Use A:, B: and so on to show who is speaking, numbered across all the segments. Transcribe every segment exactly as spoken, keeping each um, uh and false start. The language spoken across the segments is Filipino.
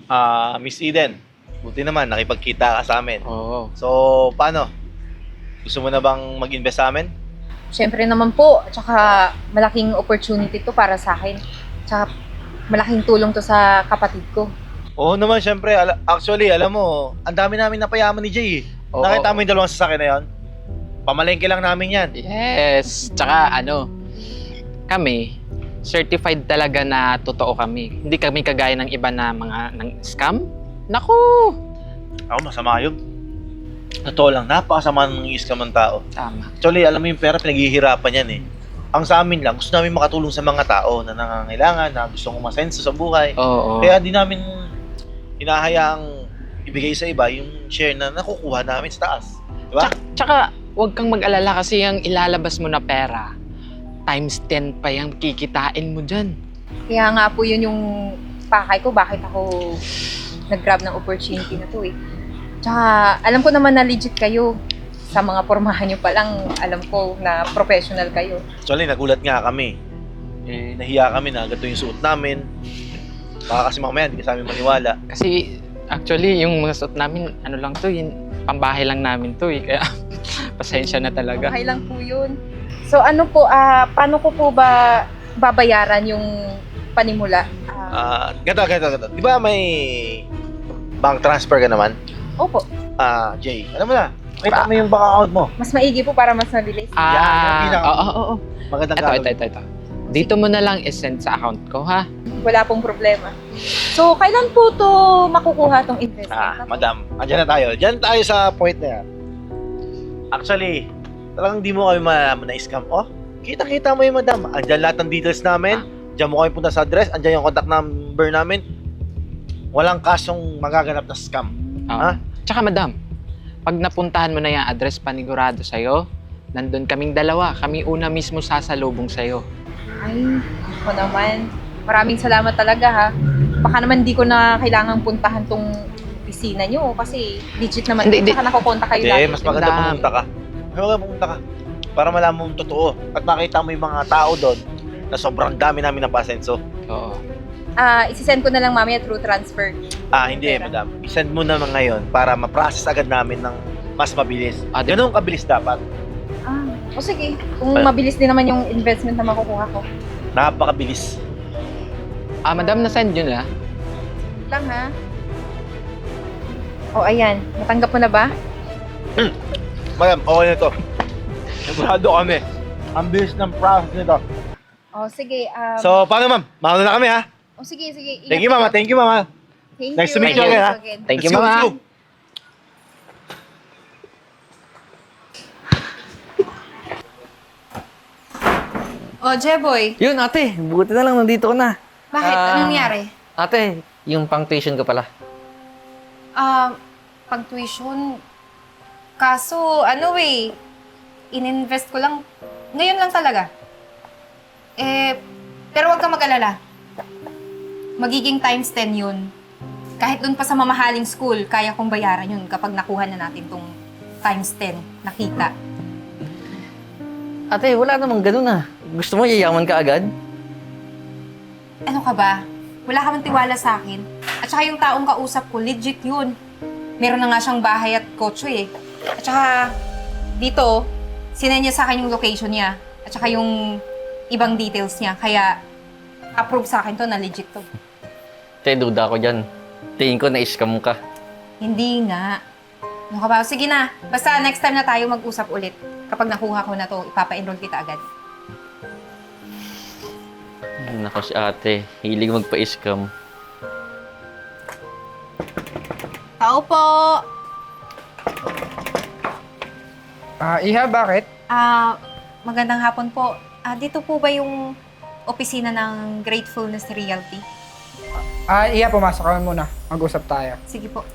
A: Ah, Miss Eden, buti naman nakipagkita ka sa amin.
B: Oo.
A: So, paano? Gusto mo na bang mag-invest sa amin?
C: Siyempre naman po, tsaka malaking opportunity to para sa akin. Tsaka malaking tulong to sa kapatid ko.
A: Oo naman, syempre. Ala- actually, alam mo, ang dami namin napayaman ni Jay. eh.
B: Oo.
A: Nakita mo yung dalawang sasakyan na yun? Pamalengke lang namin yan.
B: Yes. Tsaka ano, kami, certified talaga na totoo kami. Hindi kami kagaya ng iba na mga ng scam. Naku!
A: Ako, masama yun. Totoo lang, napakasama ng iskam ng tao.
B: Tama.
A: Actually, alam mo yung pera, pinaghihirapan yan eh. Ang sa amin lang, gusto namin makatulong sa mga tao na nangangailangan, na gusto umasenso sa buhay.
B: Oo.
A: Kaya di namin hinahayaang ibigay sa iba yung share na nakukuha namin sa taas. Diba?
B: Tsaka, tsaka, huwag kang mag-alala kasi yung ilalabas mo na pera, times ten pa yung kikitain mo dyan.
C: Kaya nga po yun yung pakay ko, bakit ako nag-grab ng opportunity na to eh. Tsaka alam ko naman na legit kayo. Sa mga pormahan nyo pa lang, alam ko na professional kayo.
A: Actually, nagulat nga kami. Eh, nahiya kami na ganito yung suot namin. Baka kasi mamaya, hindi ka sa amin maniwala.
B: Kasi, actually, yung mga suot namin, ano lang to, yun, pambahay lang namin to eh. Kaya, pasensya na talaga.
C: Okay lang po yun. So ano po, ah paano ko po ba babayaran yung panimula? Ah,
A: Ah, ganito, ganito, ganito. Di ba may bank transfer ka naman?
C: opo,
A: Ah, Jay, alam mo na, kita mo yung bank account mo.
C: mas maigi po para mas mabilis.
A: Yan, yung
B: Ah,
A: pinaka-
B: oo, oo, oo.
A: Magandang
B: Ito,
A: gagawin.
B: ito, ito, ito. Dito mo na lang isend sa account ko, ha?
C: Wala pong problema. So, kailan po to makukuha tong investment?
A: Ah,
C: na to?
A: madam, andyan na tayo. Diyan tayo sa point na yan. Actually, talagang di mo kami malaman na scam. Oh, kita-kita mo yung madam. Andyan lahat ng details namin. Diyan mo kami punta sa address. Andyan yung contact number namin. Walang kasyong magaganap na scam.
B: Oo.
A: Ha?
B: Tsaka, madam, pag napuntahan mo na yung address panigurado sa'yo, nandun kaming dalawa. Kami una mismo sasalubong sa'yo.
C: Ay, ako naman. Maraming salamat talaga ha. Baka naman di ko na kailangang puntahan tong opisina nyo kasi legit naman.
B: Hindi,
C: Hindi, Saka nakukontak kayo
A: Hindi,
C: lagi.
A: mas maganda
B: Madam.
A: pumunta ka. Mas maganda pumunta ka. Para malaman mo yung totoo. At makita mo yung mga tao doon na sobrang dami namin ng pasenso.
B: Oo.
C: Ah, isisend ko na lang mamaya through transfer.
A: Ah, hindi, madam. I-send mo naman ngayon para ma-process agad namin ng mas mabilis.
B: Ah, di-
A: Ganun kabilis dapat.
C: Ah, o sige. Kung
A: Ay.
C: mabilis din naman yung investment na makukuha ko.
A: Napakabilis.
B: Ah, madam, na-send yun la?
C: Lang ha. O ayan, natanggap mo na ba?
A: Madam, okay na to. Sigurado kami. Ang bilis ng process nito.
C: O sige. Um,
A: So, paano ma'am? Mauna na kami ha?
C: o sige, sige.
A: Thank you mama, thank you mama.
C: Thank
A: Nice
C: you.
A: to meet you
B: again,
A: ha?
B: Thank you,
A: Let's go,
B: mama.
A: let's go.
C: O, Jeboy.
D: Yun, ate. Buti na lang nandito ko na.
C: Bakit?
D: Ah.
C: Anong nangyari?
D: Ate, yung pang tuition ko pala.
C: Ah, pag tuition, kaso ano eh, ininvest ko lang, ngayon lang talaga. Eh, pero wag kang mag-alala. Magiging times ten yun. Kahit dun pa sa mamahaling school, kaya kong bayaran yun kapag nakuha na natin tong times ten nakita.
D: Ate, wala namang ganun ah. Gusto mo yayaman ka agad?
C: Ano ka ba? Wala ka man tiwala sa akin. At saka yung taong kausap ko, legit yun. Meron na nga siyang bahay at kotse eh. At saka, dito, sinend niya sa akin yung location niya. At saka yung ibang details niya. Kaya, approve sa akin to na legit to.
D: Te, duda ko dyan. Tingin ko na-scam ka.
C: Hindi nga. Ano ka ba? Sige na. Basta next time na tayo mag-usap ulit. Kapag nakuha ko na to, ipapa-enroll kita agad.
D: Nako si ate. Hilig magpa-scam.
C: Tao po!
E: Ah, Iha, bakit?
C: Ah, magandang hapon po. Ah, dito po ba yung opisina ng Gratefulness Realty?
E: Ah, Iha, pumasok ka muna. Mag-usap tayo.
C: Sige po.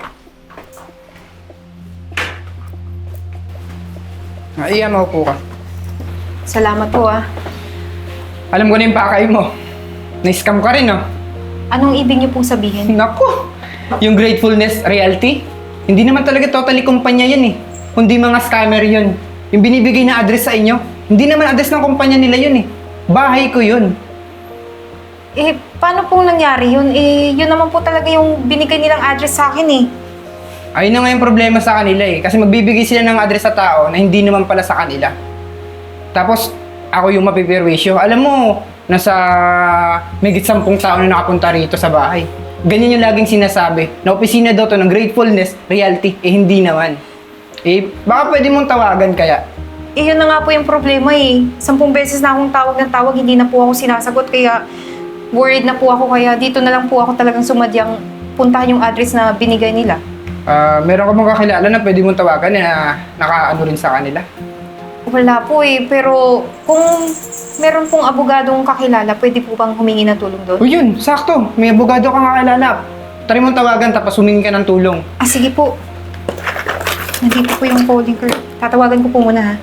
E: Ah, Iha, maupo ka.
C: Salamat po ah.
E: Alam ko na yung pakay mo. Na-scam ka rin, no?
C: Anong ibig niyo pong sabihin?
E: Naku! Yung Gratefulness Realty, hindi naman talaga totally kumpanya yan eh. Kundi mga scammer yun. Yung binibigay na address sa inyo, hindi naman address ng kumpanya nila yun eh. Bahay ko yun.
C: Eh, paano pong nangyari yun? Eh, yun naman po talaga yung binigay nilang address sa akin eh.
E: Ayun na nga yung problema sa kanila eh. Kasi magbibigay sila ng address sa tao na hindi naman pala sa kanila. Tapos, ako yung mapipirwisyo. Alam mo, nasa megit sampung tao na nakapunta rito sa bahay. Ganyan yung laging sinasabi, na opisina daw to ng gratefulness, reality, eh hindi naman. Eh, baka pwede mong tawagan kaya.
C: Eh, yun na nga po yung problema eh. Sampung beses na akong tawag ng tawag, hindi na po ako sinasagot. Kaya, worried na po ako. Kaya dito na lang po ako talagang sumadyang puntahan yung address na binigay nila.
E: Ah, meron ka bang kakilala na pwede mong tawagan na nakaano rin sa kanila?
C: Wala po eh. Pero kung meron pong abogadong kakilala, pwede po bang humingi ng tulong doon?
E: O yun, sakto. May abogado kang kakilala. Try mong tawagan tapos humingi ka ng tulong.
C: Ah, sige po. Nandito po yung calling card. Tatawagan ko po muna ha.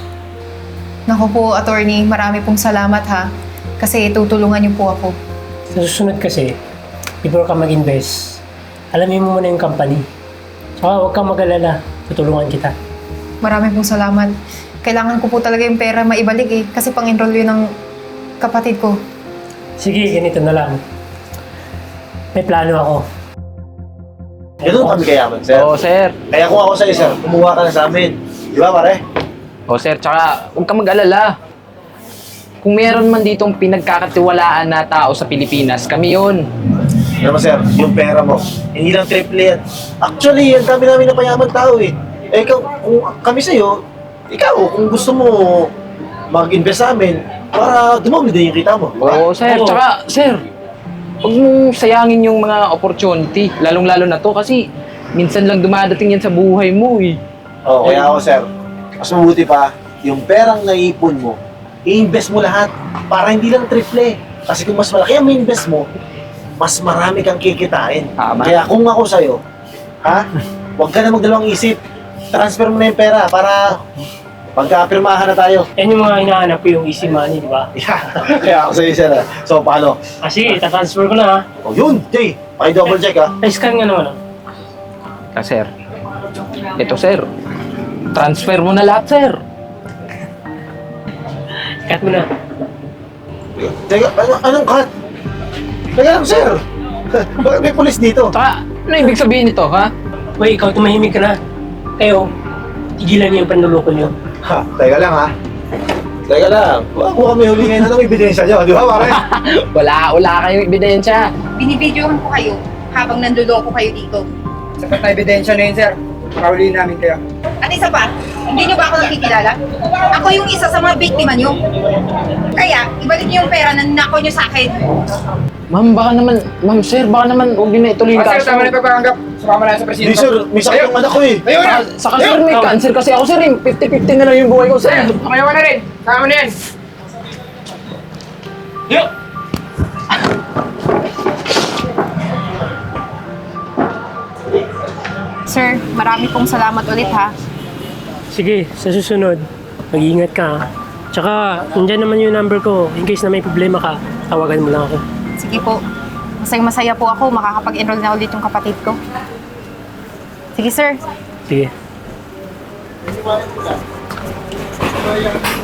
C: Naku po, attorney. Marami pong salamat ha. Kasi tutulungan niyo po ako.
F: Sa susunod kasi, before ka mag-invest, alamin mo muna yung company. Saka huwag kang mag-alala, tutulungan kita.
C: Marami pong salamat. Kailangan ko po talaga yung pera maibalik eh. Kasi pang-enroll yun ng kapatid ko.
F: Sige, ganito na lang. May plano ako.
A: Ganun kami kayaman, sir.
B: Oo, sir.
A: Kaya kung ako sa'yo, sir, kumuha ka na sa amin. Di ba, pare?
B: O sir, tsaka huwag ka mag-alala. Kung meron man ditong pinagkakatiwalaan na tao sa Pilipinas, kami yun.
A: Alam mo, sir, yung pera mo, hindi lang triple yan. Actually, ang dami namin na payaman tao eh. Eh, kung, kung kami sa'yo, ikaw, kung gusto mo mag-invest sa amin, para dumami din yung kita mo. di ba?
B: Oo, sir.
F: Oo.
B: Tsaka, sir, huwag mong sayangin yung mga opportunity. Lalong-lalo na to kasi minsan lang dumadating yan sa buhay mo eh.
A: Oo, kaya ako, sir, mas mabuti pa, yung perang naipon mo, i-invest mo lahat para hindi lang triple. Kasi kung mas malaki ang invest mo, mas marami kang kikitain.
B: Tama.
A: Kaya kung ako sa'yo, ha, huwag ka na magdalawang isip. Transfer mo na yung pera para pagka-pirmahan na tayo.
F: Yan yung mga hinahanap ko, yung easy money, di ba?
A: Yeah. Kaya ako sa'yo, sir. ah. So, paano?
F: Ah, sige, tatransfer ko na ha.
A: O yun, Jay. Paki-double check, ha.
F: Pa-scan nga naman ha.
B: Ah, sir. Ito, sir. Transfer mo na lahat, sir.
F: Cut mo na.
A: Teka, ano, anong cut? Teka lang, sir. Bakit may pulis dito?
B: Tsaka, ano ibig sabihin nito, ha?
F: Uy, ikaw tumahimik ka na. Kayo, tigilan niyo yung panluloko niyo.
A: Ha, teka lang, ha. Teka lang. Huwag mo kami huli ngayon. Anong ebidensya nyo? Di ba, pare?
B: Wala, wala kayong ebidensya.
C: Binibidyohan ko kayo habang nanduloko kayo dito.
E: Sapat na ebidensya na yun, sir. Pakauliin namin kayo.
C: At isa pa, hindi niyo ba ako nakikilala? Ako yung isa sa mga biktima niyo. Kaya, ibalik niyo yung pera na nako niyo sa akin.
B: Ma'am, baka naman, ma'am, sir, baka naman huwag niyo na ituloy yung
E: Ah, sir,
B: kaso.
E: tama na yung pagpapanggap. Sumama na sa presinto.
A: Hindi, sir. May sakit ang anak ko, eh.
E: Ayaw na!
B: Saka, saka sir, may cancer kasi ako, sir. eh. fifty fifty na lang yung buhay ko, sir.
E: Ayaw na rin! Sama na yan!
F: Yo!
C: Sir, marami pong salamat ulit ha.
F: Sige, sa susunod, mag-iingat ka ha. Tsaka, nandyan naman yung number ko. In case na may problema ka, tawagan mo lang ako.
C: Sige po. Masaya masaya po ako makakapag-enroll na ulit yung kapatid ko. Sige sir.
F: Sige.